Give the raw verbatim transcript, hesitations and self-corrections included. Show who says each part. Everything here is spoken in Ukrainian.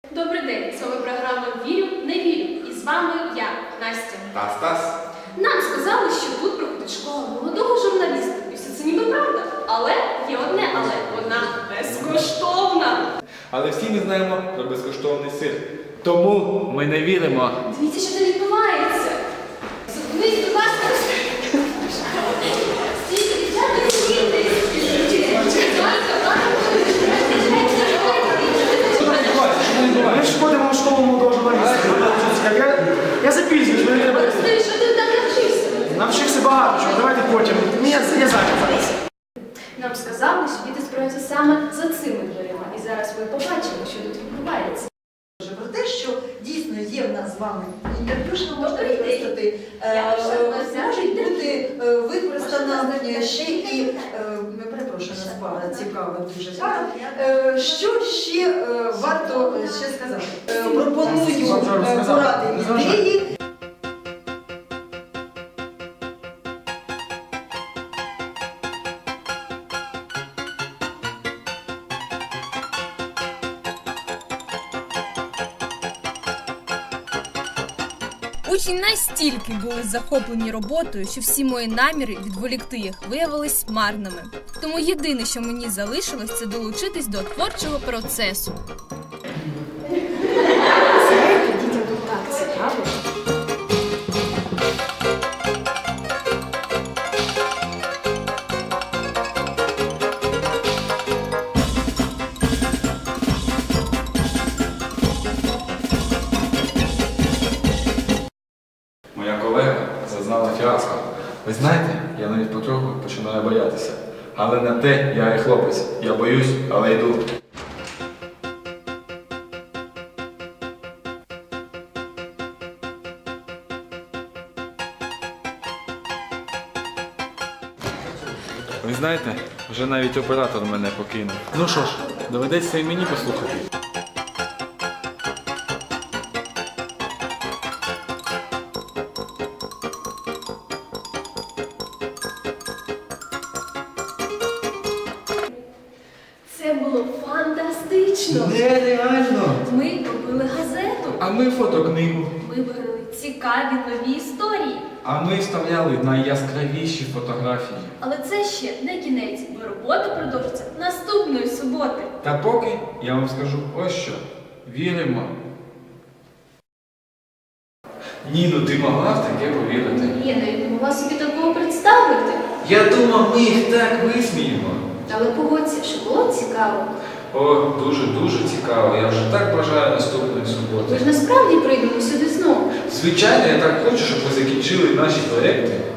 Speaker 1: Добрий день, це програма «Вірю, не вірю». І з вами я, Настя.
Speaker 2: Та Стас.
Speaker 1: Нам сказали, що тут проходить школа молодого журналіста. І все це ніби правда. Але є одне але. Вона безкоштовна.
Speaker 2: Але всі ми знаємо про безкоштовний сир. Тому ми не віримо.
Speaker 1: Дивіться, що там відбувається. Зупинись, будь ласка. Стійте, дівчата, стійте.
Speaker 3: Ми ж ходимо в школу молодого журналіста. Я, я запізнююсь, мені треба.
Speaker 1: Олексій, що ти так навчився?
Speaker 3: Навчився багато чого, давайте потім. Я, я зайнят зараз.
Speaker 1: Нам сказали, що діти збираються саме за цими дверима. І зараз ви побачимо, що тут відбувається.
Speaker 4: Про те, що дійсно є в нас з вами інтерв'ю, що можна
Speaker 1: Добрий день.
Speaker 4: використати,
Speaker 1: Я вже
Speaker 4: е,
Speaker 1: вас
Speaker 4: може
Speaker 1: знаю.
Speaker 4: бути е, використана ще і, е, ми перепрошую, нас пара цікава дуже пара. Е, Що ще е, варто ще сказати? Е, Пропоную е, поради ідеї.
Speaker 5: Учні настільки були захоплені роботою, що всі мої наміри відволікти їх виявились марними. Тому єдине, що мені залишилось, це долучитись до творчого процесу.
Speaker 1: Знаєте, дітям тут так цікаво.
Speaker 2: Моя колега зазнала фіаско. Ви знаєте, я навіть потроху починаю боятися. Але на те я і хлопець. Я боюсь, але йду. Ви знаєте, вже навіть оператор мене покинув. Ну що ж, доведеться і мені послухати.
Speaker 1: Це було фантастично.
Speaker 2: Нереально!
Speaker 1: Ми купили газету.
Speaker 2: А ми фотокнигу.
Speaker 1: Ми виграли цікаві нові історії.
Speaker 2: А ми вставляли найяскравіші фотографії.
Speaker 1: Але це ще не кінець, бо робота продовжиться наступної суботи.
Speaker 2: Та поки я вам скажу ось що. Віримо. Ні, ну ти могла в таке повірити.
Speaker 1: Я навіть не могла собі такого представити.
Speaker 2: Я думав, ми їх так висміємо.
Speaker 1: Але погодься, що було цікаво.
Speaker 2: О, дуже-дуже цікаво. Я вже так бажаю наступної
Speaker 1: Ми
Speaker 2: суботи.
Speaker 1: ж насправді прийдемо сюди знову.
Speaker 2: Звичайно, я так хочу, щоб ви закінчили наші проєкти.